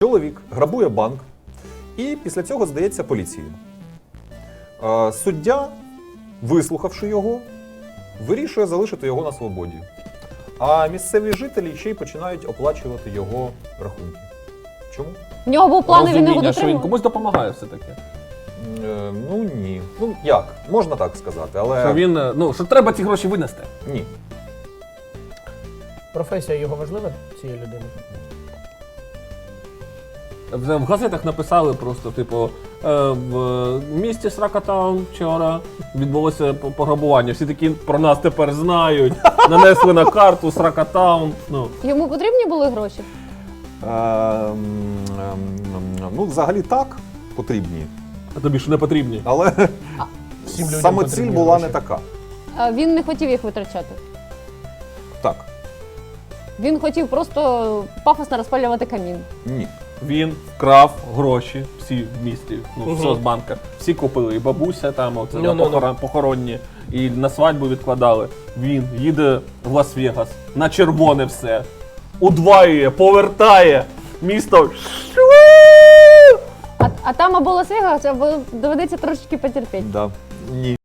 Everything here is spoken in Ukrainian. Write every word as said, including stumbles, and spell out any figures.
Чоловік грабує банк і після цього здається поліції. Е, Суддя, вислухавши його, вирішує залишити його на свободі. А місцеві жителі ще й починають оплачувати його рахунки. Чому? В нього був план, і він його Розуміння, що він дотримав. комусь допомагає все-таки. Е, ну ні. Ну як? Можна так сказати, але Що він, е, ну, що треба ці гроші винести. ні. Професія його важлива цієї людини? Вже в газетах написали просто, типу, е, в місті Сракатаун вчора відбулося п- пограбування. Всі такі про нас тепер знають, нанесли на карту Сракатаун. Ну. Йому потрібні були гроші? Е, м, ем, ну, взагалі так, потрібні. А тобі ж не потрібні. Але Всім людям саме ціль потрібні була гроші. не така. А він не хотів їх витрачати. Так, Він хотів просто пафосно розпалювати камін. ні. Він вкрав гроші всі в місті, ну, Мгм. в соцбанках. Всі купили, і бабуся там, оце, Ну, на ну, ну. похорон- похоронні, і на свадьбу відкладали. Він їде в Лас-Вегас, на червоне все, удваює, повертає місто. А, а там або Лас-Вегас, або доведеться трошечки потерпіти. Да. Ні.